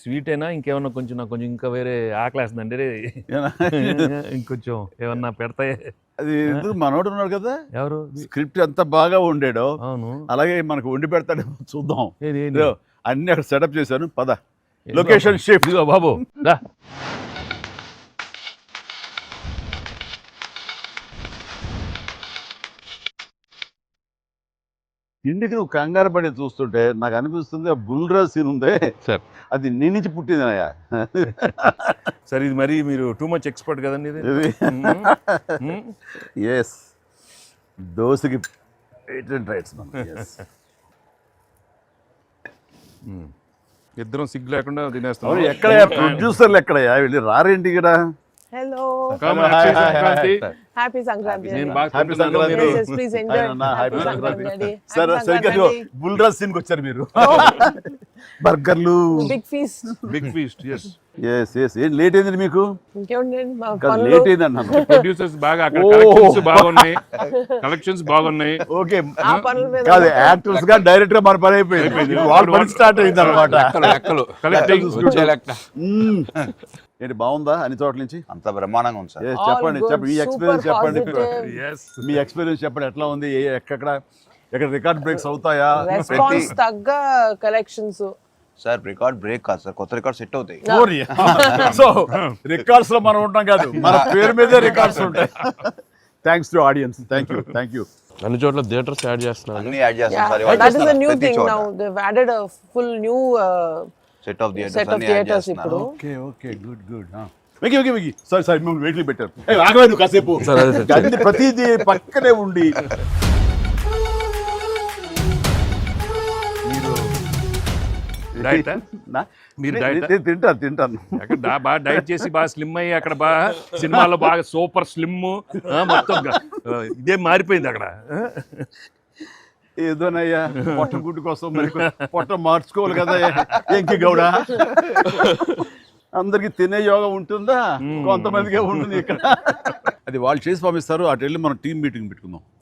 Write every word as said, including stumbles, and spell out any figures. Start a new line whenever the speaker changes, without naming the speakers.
Sweet అయినా ఇంకేమన్నా కొంచెం నాకు కొంచెం ఇంకా వేరే ఆకలేస్తుందండి ఇంకొంచెం ఏమన్నా పెడతాయి.
అది మనోడు ఉన్నాడు కదా,
ఎవరు
స్క్రిప్ట్ ఎంత బాగా వండాడో
అవును
అలాగే మనకు వండి పెడతాడు చూద్దాం.
ఏది, ఏది?
ఇదిగో, అన్ని అక్కడ సెటప్ చేశాను, పద లొకేషన్ షిఫ్ట్.
ఇదిగో బాబు రా.
ఇంటికి నువ్వు కంగారు పడి చూస్తుంటే నాకు అనిపిస్తుంది ఆ బుల్రాజ్ సీన్ ఉందే
సార్
అది నీ నుంచి పుట్టిందనయ్యా.
సార్ ఇది మరి మీరు టూ మచ్ ఎక్స్పర్ట్ కదండి ఇది.
ఎస్, దోశకి పేటెంట్ రైట్స్ మనం.
ఇద్దరం సిగ్గు లేకుండా తినేస్తాం.
అవును, ఎక్కడయ్యా ప్రొడ్యూసర్లు ఎక్కడయ్యా, వెళ్ళి రారేంటి ఇక్కడ.
Hello.
Come on, happy Sankranti.
Happy Sankranti.
నేను బాగా
హ్యాపీ
తింటున్నాను,
సంక్రాంతి.
మీరు-
Yes, yes, please enjoy.
Happy
Happy
Sankranti.
Sankranti.
సరే
Happy
సరిగ్గా
Sankranti.
బుల్రాజ్ సీన్కి వచ్చారు మీరు. బర్గర్లు.
Big feast.
Big feast. Yes
yes yes ఏం లేట్ అయింది మీకు?
ఇంకేముందండి మా
కాదు,
పనులు.
లేట్ అయింది అన్నాను.
ప్రొడ్యూసర్స్ బాగా అక్కడ
ఓ.
కలెక్షన్స్ బాగున్నాయి, కలెక్షన్స్ బాగున్నాయి.
ఓకే,
ఆ పనుల మీద
కాదు యాక్టర్స్ గా డైరెక్ట్ గా మన పని అయిపోయింది, వాళ్ళ పని స్టార్ట్ అయింది అనమాట.
కలెక్టింగ్
ఏంటి బాగుందా అన్ని చోట్ల నుంచి?
అంత బ్రహ్మాండంగా ఉంది సార్.
Yes,
All
చెప్పండి
good,
చెప్పండి మీ ఎక్స్పీరియన్స్
super
చెప్పండి.
positive.
ఎస్
మీ ఎక్స్పీరియన్స్ చెప్పండి, ఎట్లా ఉంది, ఏ- ఎక్కడ ఎక్కడ రికార్డ్ బ్రేక్స్ అవుతాయా?
రెస్పాన్స్ తగ్గ కలెక్షన్స్.
సార్ రికార్డ్ బ్రేక్ కాదు సార్, కొత్త రికార్డ్ సెట్ అవుతాయి.
సో రికార్డ్స్ లో మనం ఉంటాం కాదు, మన పేరు మీదే రికార్డ్స్ ఉంటాయి. Thanks to audience, thank you thank you.
అన్ని చోట్ల థియేటర్స్ యాడ్ చేస్తున్నారు.
అన్ని యాడ్ చేస్తాం
Yeah,
sir.
that is a new thing now. They've added a full new uh,
set of theatres
set of
అన్ని యాడ్
theatres
చేస్తున్నారు.
ఇప్పుడు.
Okay okay good good. వెకి వెకి వెకి సారీ సారీ మిమ్మల్ని వెయిట్లు పెట్టారు. ఏ ఆగలేదు కాసేపు,
సరే, అదే సార్.
అన్ని ప్రతిదీ పక్కనే ఉండి.
డైట్
నా-
మీరు
నే-
diet ఆ?
నేను తింటాను తింటాను.
అక్కడ దా- బాగా డైట్ చేసి బాగా స్లిమ్ అయ్యి అక్కడ బాగా సినిమాలో బాగా సూపర్ స్లిమ్ మొత్తం గా- ఆ, ఇదే మారిపోయింది అక్కడ.
ఏదోనయ్యా పొట్ట గుడ్డు కోసం మరి పొట్ట మార్చుకోవాలి కదా ఎంకి గౌడ. అందరికి తినే యోగం ఉంటుందా? కొంతమందికే ఉంటుంది ఇక్కడ. అది వాళ్ళు చేసి పంపిస్తారు, అటు వెళ్ళి మనం టీం మీటింగ్ పెట్టుకుందాం.